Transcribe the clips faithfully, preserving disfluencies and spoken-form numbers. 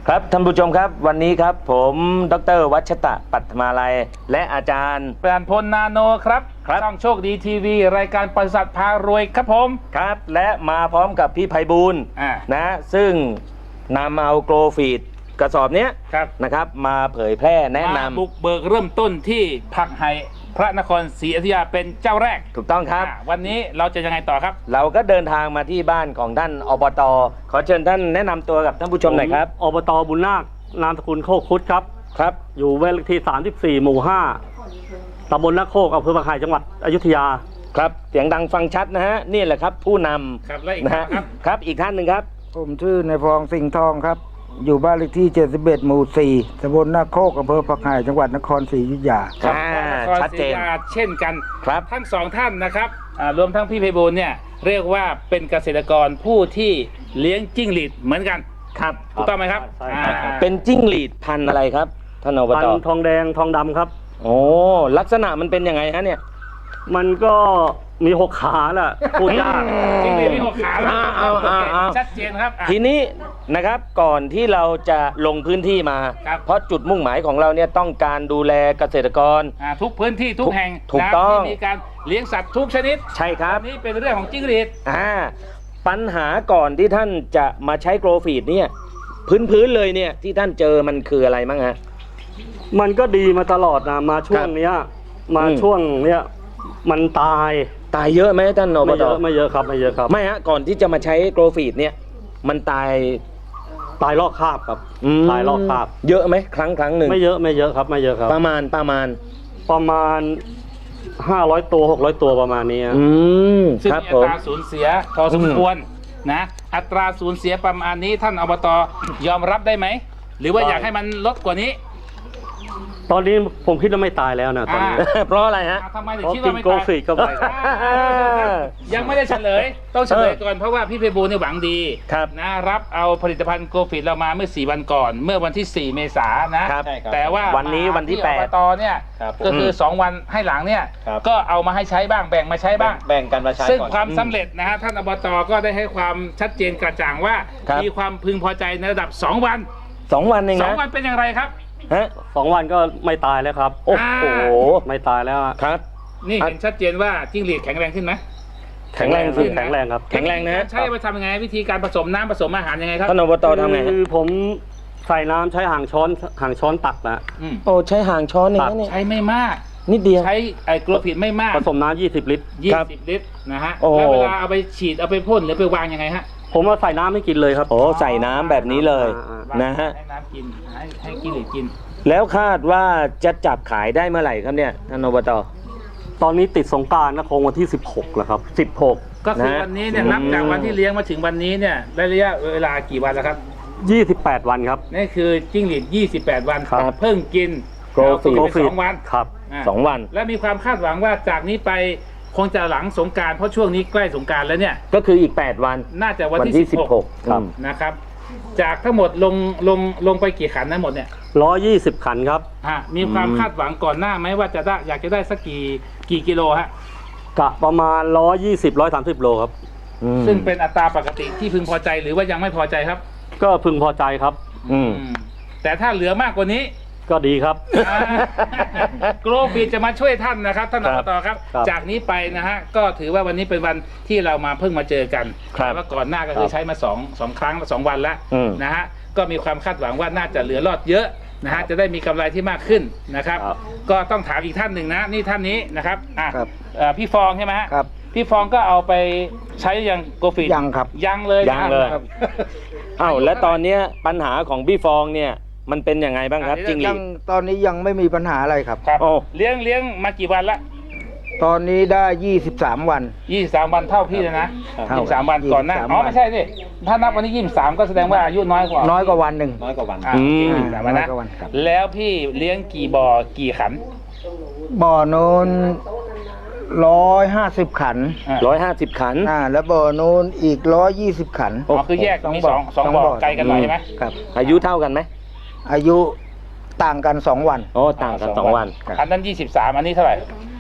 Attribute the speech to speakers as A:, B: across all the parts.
A: ครับท่านผู้ชมครับวันนี้ครับผมดร.วัชตะปัทมาลัยและอาจารย์
B: ปราณพลนาโนครับครับช่องโชคดีทีวีรายการปศุสัตว์พารวยครับผม
A: ครับและมาพร้อมกับพี่ไพบูลย์นะซึ่งนำเอาโกลฟีดกระสอบนี้นะครับมาเผยแพร่แนะนำ
B: บุกเบิกเริ่มต้นที่ผักไห่พระนครศรีอยุธยาเป็นเจ้าแรก
A: ถูกต้องครับ
B: วันนี้เราจะยังไงต่อครับ
A: เราก็เดินทางมาที่บ้านของท่านอบต.ขอเชิญท่านแนะนำตัวกับท่านผู้ชมหน่อยครับ
C: อบต.บุญนาคนามสกุลโคกคุดครับ
A: ครับ
C: อยู่เวลที่สามสิบสี่หมู่ห้าตำบลนาโคกอำเภอผักไห่จังหวัดอยุธยา
A: ครับเสียงดังฟังชัดนะฮะนี่แหละครับผู้น
B: ำนะฮะ
A: ครับอีกท่านหนึ่งครับ
D: ผมชื่อนายพองสิงห์ทองครับอยู่บ้านเลขที่เจ็ดสิบเอ็ดหมู่สี่ตำบลนาโคกอำเภอผักไห่จังหวัดนครศรีอยุธยา
B: ครับชัดเจนเช่นกันครับทั้งสองท่านนะครับรวมทั้งพี่ไพบูลย์เนี่ยเรียกว่าเป็นเกษตรกรผู้ที่เลี้ยงจิ้งหรีดเหมือนกัน
A: ครับ
B: ถูกต้องไหมครับ
A: เป็นจิ้งหรีดพันธุ์อะไรครับท่านอบต.
C: พันธุ์ทองแดงทองดำครับ
A: โอ้ลักษณะมันเป็นยังไงฮะเนี่ย
C: มันก็มีหกขาแหละพูดยาก
B: จิ้งหรีดมีหกขาชัดเจนครับ
A: ทีนี้นะครับก่อนที่เราจะลงพื้นที่มาเพราะจุดมุ่งหมายของเราเนี่ยต้องการดูแลเกษตรกร
B: ทุกพื้นที่ทุกแห่ง
A: ถูกต้อง
B: ที่มีการเลี้ยงสัตว์ทุกชนิด
A: ใช่ครับ
B: นี่เป็นเรื่องของจิ้งหรีด
A: อ่าปัญหาก่อนที่ท่านจะมาใช้โกลฟีดเนี่ยพื้นพื้นเลยเนี่ยที่ท่านเจอมันคืออะไรมั้งฮะ
C: มันก็ดีมาตลอดนะมาช่วงเนี้ยมาช่วงเนี้ยมันตาย
A: ตายเยอะไหมท่านอบต.
C: ไม่เยอะไม่เยอะครับไม่เยอะครับ
A: ไม่ฮะก่อนที่จะมาใช้โกลฟีดเนี่ยมันตาย
C: ตายลอกคราบครับตายลอกคราบ
A: เยอะไหมครั้งครั้งหนึ่ง
C: ไม่เยอะไม่เยอะครับไม่เยอะครับ
A: ประมาณประมาณ
C: ประมาณห้าร้อยตัวหกร้อยตัวประมาณนี้
A: อืม
B: ซึ่งอัตราสูญเสียพอสมควรนะอัตราสูญเสียประมาณนี้ท่านอบต.ยอมรับได้ไหมหรือว่าอยากให้มันลดกว่านี้
C: ตอนนี้ผมคิดว่าไม่ตายแล้วนะตอนนี้
A: เพราะอะไรฮะ
B: ทำไมถึงคิดว่าไม่ตาย
C: โกลฟีดเข้าไป
B: ยังไม่ได้เฉลยต้องเฉลยก่อนเพราะว่าพี่ไพบูลย์เนี่ยหวังดีนะรับเอาผลิตภัณฑ์โกลฟีดเรามาเมื่อสี่วันก่อนเมื่อวันที่สี่เมษายนนะแต่ว่า
A: วันนี้วันที่แปด
B: อบต.เนี่ยก็คือสองวันให้หลังเนี่ยก็เอามาให้ใช้บ้างแบ่งมาใช้บ้าง
A: แบ่งกันมาใช้
B: ซึ่งความสำเร็จนะฮะท่านอบต.ก็ได้ให้ความชัดเจนกระจ่างว่ามีความพึงพอใจในระดับสองวัน
A: สองวันเองนะ
B: สองวันเป็นอย่างไรครับ
C: ฮะสองวันก็ไม่ตายแล้วครับ
A: โอ้โห
C: ไม่ตายแล้ว
A: ครับ
B: นี่เห็นชัดเจนว่าจิ้งหรีดแข็งแรงขึ้นไหม
A: แข็งแรงขึ้น
C: แข็งแรงครับ
A: แข็งแรงนะ
B: ใช่ไปทำยังไงวิธีการผสมน้ำผสมอาหารยังไงครับ
A: ท่านอบต.ทำไง
C: คือผมใส่น้ำใช้ห่างช้อนห่างช้อนตักนะ
A: โอ้ใช้ห่างช้อนเอง
B: ใช้ไม่มาก
A: นิดเดียว
B: ใช้ไอ้โกลฟีดไม่มาก
C: ผสมน้ำยี่สิบลิตร
B: ยี่สิบลิตรนะฮะแล้วเวลาเอาไปฉีดเอาไปพ่นหรือไปวางยังไงฮะ
C: ผมเอาใส่น้ำให้กินเลยครับ
A: โอ้ใส่น้ำแบบนี้เลยนะฮะ
B: ให้น้ำกินให้ให้กินหรือกิน
A: แล้วคาดว่าจะจับขายได้เมื่อไหร่ครับเนี่ยท่านอบต.
C: ตอนนี้ติดสงกรานต์นะคงวันที่สิบหกแล้วครับสิบหก
B: ก็คือวันนี้เนี่ยนับจากวันที่เลี้ยงมาถึงวันนี้เนี่ยได้ระยะเวลากี่วันแล้วครับ
C: ยี่สิบแปดวันครับ
B: นี่คือจิ้งหรีดยี่สิบแปดวันเพิ่งกิน
A: โกลฟีด
B: สองวัน
C: ครับ
A: สองวัน
B: และมีความคาดหวังว่าจากนี้ไปคงจะหลังสงกรานต์เพราะช่วงนี้ใกล้สงกรานต์แล้วเนี่ย
A: ก็คืออีกแปดวัน
B: น่าจะวันที่สิบหกนะครับจากทั้งหมดลงลงลงไปกี่ขันทั้งหมดเนี่ย
C: ร้อยยี่สิบขันครับ
B: ฮะมีความคาดหวังก่อนหน้าไหมว่าจะได้อยากจะได้สักกี่กี่กิโลฮะ
C: กะประมาณร้อยยี่สิบร้อยสามสิบโลครับ
B: ซึ่งเป็นอัตราปกติที่พึงพอใจหรือว่ายังไม่พอใจครับ
C: ก็พึงพอใจครับ
A: อืม
B: แต่ถ้าเหลือมากกว่านี้
C: ก็ดีครับ
B: โกลฟีดจะมาช่วยท่านนะครับท่านอบต.ครับจากนี้ไปนะฮะก็ถือว่าวันนี้เป็นวันที่เรามาเพิ่งมาเจอกันว่าก่อนหน้าก็คือใช้มาสองสองครั้งสองวันแล้วนะฮะก็มีความคาดหวังว่าน่าจะเหลือรอดเยอะนะฮะจะได้มีกำไรที่มากขึ้นนะครับก็ต้องถามอีกท่านหนึ่งนะนี่ท่านนี้นะครับอ่ะพี่ฟองใช่ไหมฮะ
D: ครับ
B: พี่ฟองก็เอาไปใช้ยังโกลฟีด
D: ยังครับ
B: ยังเลย
A: ยังเลยอ้าวและตอนนี้ปัญหาของพี่ฟองเนี่ยมันเป็นยังไงบ้างครับจริง
D: ยังตอนนี้ยังไม่มีปัญหาอะไรครับ
B: ครับเลี้ยงเลี้ยงมากี่วันละ
D: ตอนนี้ได้ยี่สิบสามวัน
B: ยี่สิบสามวันเท่าพี่เลยนะยี่สิบสามวันก่อนหน้าอ๋อไม่ใช่สิถ้านับวันนี้ยี่สิบสามก็แสดงว่าอายุน้อยกว่า
D: น้อยกว่าวันหนึ่ง
A: น้อยกว่าวัน
B: อืมนะแล้วพี่เลี้ยงกี่บ่อกี่ขัน
D: บ่อโน้นร้อยห้าสิบขัน
A: ร้อยห้าสิบขัน
D: อ่าแล้วบ่อโน้นอีกร้อยยี่สิบขัน
B: อ๋อคือแยกมีสองสองบ่อไกลกันหน่อยใช่ไหม
D: ครับ
A: อายุเท่ากันไหม
D: อายุต่างกันสองวัน
A: โอ้ต่างกันสองวัน
B: อันนั้นยี่สิบสามอันนี้เท่าไหร่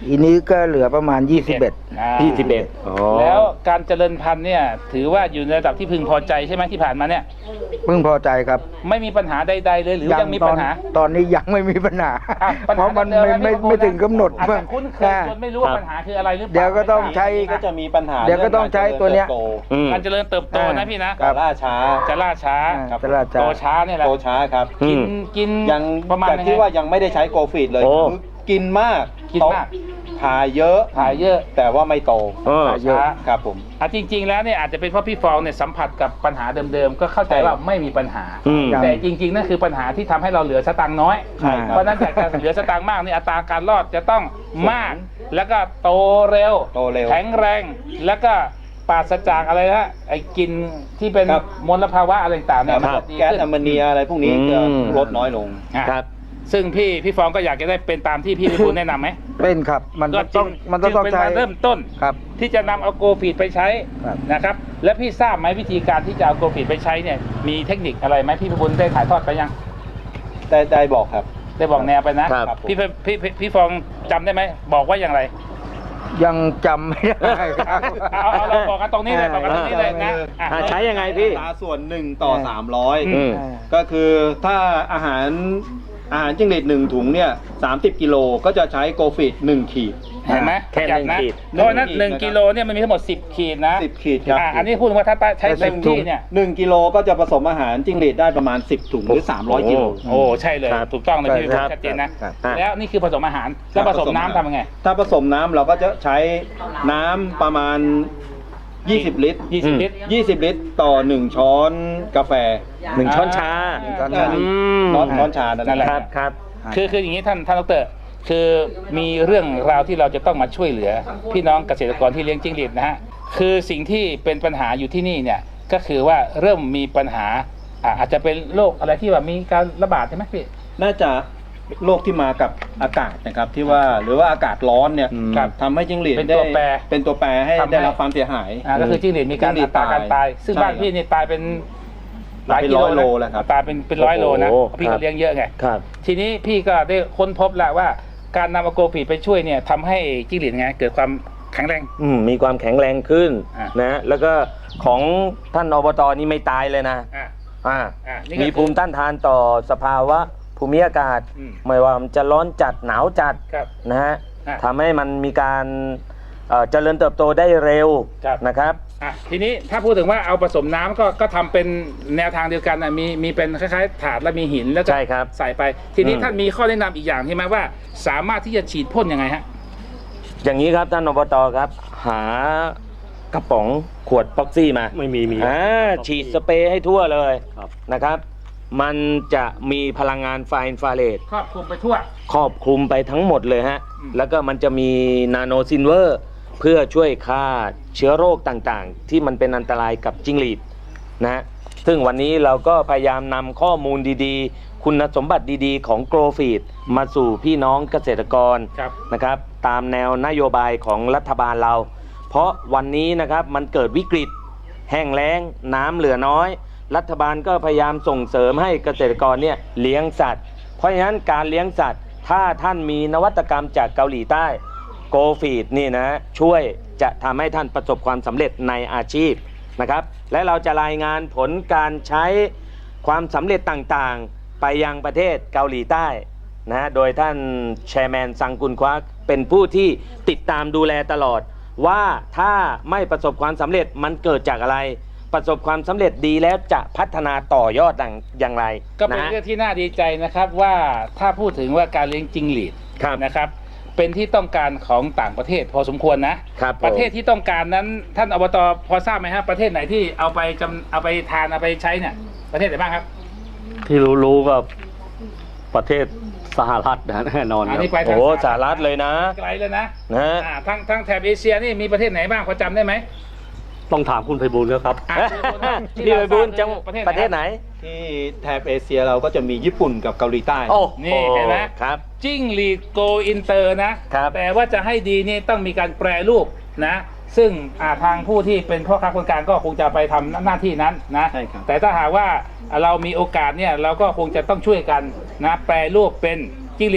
D: อีนี้ก็เหลือประมาณยี่สิบเอ็ด
B: อ่า
A: ยี่สิบเอ็ดอ๋อ
B: แล้วการเจริญพันธุ์เนี่ยถือว่าอยู่ในระดับที่พึงพอใจใช่ไหมที่ผ่านมาเนี่ย
D: เพิ่งพอใจครับ
B: ไม่มีปัญหาใดๆเลยหรือยังมี
D: ตอ
B: ปั
D: น
B: ญหา
D: ตอนนี้ยังไม่มีปัญหา
B: อ่ะปัญ
D: เพ
B: หา
D: ราะมัน
B: เดิ
D: ไม่
B: ๆ
D: ไม่
B: พบ
D: ไม่ถึงกำหนด
B: อาจจะคุ้นเคยจนไม่รู้ว่าปัญหาคืออะไรหรือเปล่า
D: เดี๋ยวก็ต้องใช้
E: ก็จะมีปัญหา
D: เดี๋ยวก็ต้องใช้ตัวเนี้ย
A: อืม
B: การเจริญเติบโตนะพี่นะ
E: การล่าช้า
B: จะล่าช้า
D: อ่าจะล่าช้า
B: โตช้าเนี่ยแหละ
E: โตช้าครับ
A: อื
B: กิน
A: ม
B: กิน
E: ยัง
B: ประมาณ
E: จาก
B: ไหน
E: ที่ว่ายังไม่ได้ใช้โกฟีดเลย
A: โอ้
E: คือกินมาก
B: กินมาก
E: โตถ่ายเยอะ
B: ถ่ายเยอะ
E: แต่ว่าไม่โต
A: เออ
B: ถ่ายช้า
E: ครับผม
B: อ่ะจริง ๆ แล้วเนี่ยอาจจะเป็นเพราะพี่ฟองเนี่ยสัมผัสกับปัญหาเดิมๆก็เข้าใจว่าไม่มีปัญหา
A: อืม
B: แต่จริงๆนั่นคือปัญหาที่ทำให้เราเหลือสตางค์น้อย
E: ใช่ครับ
B: เพราะฉะนั้นจากการเหลือสตางค์มากนี่อัตราการรอดจะต้องมาก แล้วก็โตเร็ว
E: โตเร็ว
B: แข็งแรงแล้วก็ปราศจากอะไรนะไอ้กลินที่เป็น
E: ครับ
B: มลภาวะอะไรต่างๆเนี่ย
E: ค
B: มัน
E: รับ
B: จะดี
E: แก๊ส
B: ขึ้น
E: แอมโมเนียอะไรพวกนี้
A: อืม
E: จะลดน้อยลง
B: อ่ะ
A: ครับ
B: ซึ่งพี่พี่ฟองก็อยากจะได้เป็นตามที่พี่พิบูลแนะนำไหม
D: เป็นครับ มัน
B: ก็จึ
D: ต้องมันต้อง
B: จึเป็น
D: ใช้
B: การเริ่มต้น
D: ครับ
B: ที่จะนำเอาโกฟีดไปใช้
D: ครับ
B: นะครับ และพี่ทราบไหมวิธีการที่จะเอาโกฟีดไปใช้เนี่ยมีเทคนิคอะไรไหมพี่พิบูลได้ถ่ายทอดไปยัง
E: ได้ได้บอกครับ
B: ได้บอกแนวไปนะครับ
E: ครับผม
B: พี่พี่พี่พี่ฟองจำได้ไหมบอกว่าอย่างไร
D: ยังจำไม่ได้ครับ
B: เอาเอาเราบอกกันตรงนี้เลยบอกกันตรงนี้เลยนะอ่ะ
A: อ่าใช้ยังไงพี่
E: อัตราส่วนหนึ่งต่อสามร้อย
A: อืม
E: ก็คือถ้าอาหารอาหารจิ้งหรีดหนึ่งถุงเนี่ยสามสิบกิโลก็จะใช้โกฟีดหนึ่งขีด
B: เห็นไหม
A: แค่หนึ่ง
B: นะ
A: ขีด
B: เพราะฉะนั้น
E: หนึ่ง
B: หนึ่ง
E: ขีด
B: กิโลเนี่ยมันมีทั้งหมดสิบขีดนะ
E: สิบขีดครับ
B: อ่ะอันนี้พูดว่าถ้าใช้เต็มที่เนี่ย
E: หนึ่งกิโลก็จะผสมอาหารจิ้งหรีดได้ประมาณสิบถุงหรือสามร้อยกิโล
B: โอ้ใช่เลย
A: ครับ
B: ถูกต้องเลยพี่พิบูล
A: ครับ
B: ชัดเจนนะ
D: ครับ
B: แล้วนี่คือผสมอาหารแล้วผสมน้ำทำยังไง
E: ถ้าผสมน้ำเราก็จะใช้น้ำประมาณยี่สิบลิตร
B: ยี่สิบลิตร
E: ยี่สิบลิตรต่อหนึ่งช้อนกาแฟ
A: หนึ่งช้อนชา
E: หนึ่ง
D: ช้อน
E: ช้
D: ชา
E: หนึ่ง
A: อืม
E: ช้อนช้อนชานั่น
B: นั่น
E: แห
B: แห
E: ละ
B: ละ
A: ครับครับ
B: คือคืออย่างนี้ท่านท่านดรคือมีเรื่องราวที่เราจะต้องมาช่วยเหลือ พี่น้องเกษตรกรที่เลี้ยงจิ้งหรีดนะฮะคือสิ่งที่เป็นปัญหาอยู่ที่นี่เนี่ยก็คือว่าเริ่มมีปัญหาอ่ะอาจจะเป็นโรคอะไรที่แบบมีการระบาดใช่ไหมพี่
E: น่าจะโรคที่มากับอากาศนะครับที่ว่าหรือว่าอากาศร้อนเนี่ย
A: อืม
E: ทำให้จิ้งหรีด
B: เป็นตัว
E: ได้
B: แปร
E: เป็นตัวแปรให้
B: ทำให้
E: ได้รับความเสียหาย
B: อ่าก็คือจิ้งหรีดมีการ
E: จิ้งหรี
B: อั
E: ด
B: ตราการ
E: ตาย
B: ตาย ซึ่ง
E: ใช่
B: บ้านพี่นี่ตายเป็นหลาย
E: เป็น
B: กิ
E: ร้
B: โล
E: อยโลแล้วครับ
B: ตายเป็นเป็นร้อยโลนะ
A: โอ้โห
B: เพราะพี่ก็เลี้ยงเยอะไง
A: ครับ
B: ทีนี้พี่ก็ได้ค้นพบแล้วว่าการนำอะโกฟีดไปช่วยเนี่ยทำให้จิ้งหรีดไงเกิดความแข็งแรง
A: อืมมีความแข็งแรงขึ้น
B: อ่ะ
A: นะ แล้วก็ของท่านอบตนี่ไม่ตายเลยนะ
B: อ่ะ
A: อ่า
B: อ่ะนี่ก็
A: มีภูมิต้านทานต่อสภาวะภูมิอากาศ
B: อืม
A: ไม่ว่ามันจะร้อนจัดหนาวจัด
B: ครับ
A: นะฮะ
B: อ่ะ
A: ทำให้มันมีการเอ่อเจริญเติบโตได้เร็ว
B: ครับ
A: นะครับ
B: อ่ะทีนี้ถ้าพูดถึงว่าเอาผสมน้ำก็ก็ทำเป็นแนวทางเดียวกันนะมีมีเป็นคล้ายๆถาดแล้วมีหินแล้วก็
A: ใช่ครับ
B: ใส่ไป ทีนี้
A: อืม
B: ท่านมีข้อแนะนำอีกอย่างใช่ไหมว่า สามารถที่จะฉีดพ่นยังไงฮะ
A: อย่างนี้ครับท่านอบตครับ หากระป๋องขวดพ็อกซี่มา
C: ไม่มีมี
A: อ่าฉีดสเปรย์ให้ทั่วเลย
C: ครับ
A: นะครับ มันจะมีพลังงานไฟอินฟราเรด
B: ครอบคลุมไปทั่ว
A: ครอบคลุมไปทั้งหมดเลยฮะ
B: อืม
A: แล้วก็มันจะมีนาโนซินเวอร์เพื่อช่วยฆ่าเชื้อโรคต่างๆ ที่มันเป็นอันตรายกับจิ้งหรีดนะฮะซึ่งวันนี้เราก็พยายามนำข้อมูลดีๆ คุณสมบัติดีๆ ของโกลฟีดมาสู่พี่น้องเกษตรกร
B: ครับ
A: นะครับ ตามแนวนโยบายของรัฐบาลเรา เพราะวันนี้นะครับมันเกิดวิกฤต แห้งแล้งน้ำเหลือน้อย รัฐบาลก็พยายามส่งเสริมให้เกษตรกรเนี่ยเลี้ยงสัตว์ เพราะฉะนั้นการเลี้ยงสัตว์ ถ้าท่านมีนวัตกรรมจากเกาหลีใต้โกฟีดนี่นะช่วยจะทำให้ท่านประสบความสำเร็จในอาชีพนะครับ และเราจะรายงานผลการใช้ความสำเร็จต่างๆ ไปยังประเทศเกาหลีใต้นะโดยท่านแชร์แมนซังกุนควักเป็นผู้ที่ติดตามดูแลตลอด ว่าถ้าไม่ประสบความสำเร็จมันเกิดจากอะไร ประสบความสำเร็จดีแล้วจะพัฒนาต่อยอดอย่างไร
B: ก็เป็น
A: นะ
B: เรื่องที่น่าดีใจนะครับว่าถ้าพูดถึงว่าการเลี้ยงจิ้งหรีด
A: ครับ
B: นะครับ เป็นที่ต้องการของต่างประเทศพอสมควรนะครับ
A: ผม
B: ประเทศที่ต้องการนั้นท่านอบตพอทราบไหมครับประเทศไหนที่เอาไปจำเอาไปทานเอาไปใช้เนี่ยประเทศไหนบ้างครับ
C: ที่รู้รู้ๆก็ประเทศสหรัฐนะแน่นอนค
B: อั
C: รั
B: น
C: บ
B: นี้ไปทาง
A: โอ้สหรัฐเลยนะ
B: ไกลเลยนะ
A: นะ
B: อ่าทางทางแถบเอเชียนี่มีประเทศไหนบ้างพอจำได้ไหม
C: ต้องถามคุณไพบูลย์ครับ
B: อ่ะ
A: พี่ไปบุญจัง
B: ประเทศ
A: ประเทศไหน
E: ที่แถบเอเชียเราก็จะมีญี่ปุ่นกับเกาหลีใต้
A: โอ้
B: นี่เห็นไหม
A: ครับ
B: จิ้งหรีดโกอินเตอร์นะครับ แต่ว่าจะให้ดีนี่ต้องมีการแปรรูปนะ ซึ่งอ่าทางผู้ที่เป็นพ่อค้าคนกลางก็คงจะไปทำหน้าที่นั้นนะ
E: ใช่ครับ
B: แต่ถ้าหากว่าเรามีโอกาสเนี่ยเราก็คงจะต้องช่วยกันนะแปรรูปเป็นจิ้งหรีดโก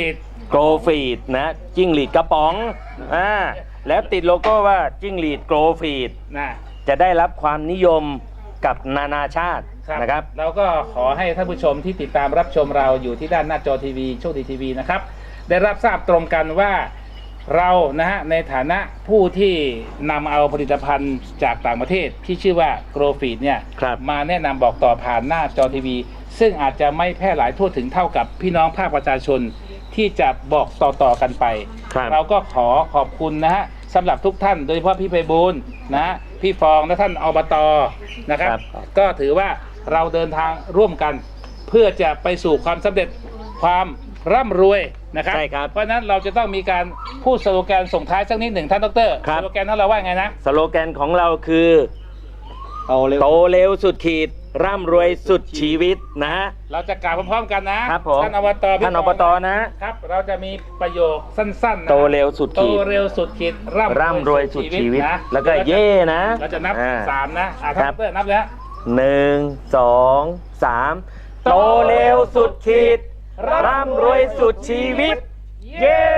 A: โกลฟีดนะจิ้งหรีดกระป๋องอ่าแล้วติดโลโก้ว่าจิ้งหรีดโกลฟีด
B: นะ
A: จะได้รับความนิยมกับนานาชาติ
B: ครับ
A: นะครับ
B: เราก็ขอให้ท่านผู้ชมที่ติดตามรับชมเราอยู่ที่ด้านหน้าจอทีวีโชคดีทีวีนะครับได้รับทราบตรงกันว่าเรานะฮะในฐานะผู้ที่นำเอาผลิตภัณฑ์จากต่างประเทศที่ชื่อว่าโกลฟีดเนี่ย
A: ครับ
B: มาแนะนำบอกต่อผ่านหน้าจอทีวี ซึ่งอาจจะไม่แพร่หลายทั่วถึงเท่ากับพี่น้องภาคประชาชนที่จะบอกต่อๆกันไป
A: ครับ
B: เราก็ขอขอบคุณนะฮะสำหรับทุกท่านโดยเฉพาะพี่ไพบูลย์นะฮะพี่ฟองและท่านอบตนะครับ
A: ครับ
B: ก็ถือว่าเราเดินทางร่วมกัน เพื่อจะไปสู่ความสำเร็จความร่ำรวยนะครับ
A: ใช่ครับ
B: เพราะฉะนั้นเราจะต้องมีการพูดสโลแกนส่งท้ายสักนิดหนึ่งท่านดร
A: ครับ
B: สโลแกนนั้นเราว่าไงนะ
A: สโลแกนของเราคือ
E: เอาเร็ว
A: โตเร็วสุดขีด ร่ำรวยสุดชีวิตนะฮะ
B: เราจะกล่าวพร้อมๆกันนะครับ
A: ผม
B: ท่านอบตพี่
A: ท่านอบตนะ
B: ครับเราจะมีประโยคสั้นๆนะ
A: โตเร็วสุด
B: โต
A: ขีด
B: เร็วสุดขีด
A: ร่ำรวยสุดชีวิต
B: นะ
A: แล้วก็เย่นะ
B: เราจะนับ
A: อ่
B: สามนะอ่ะท่าน
A: ครั
B: ด
A: บ
B: รนับเลยฮะ
A: หนึ่งสองสามโตเร็วสุดขีด ร่ำรวยสุดชีวิต เย้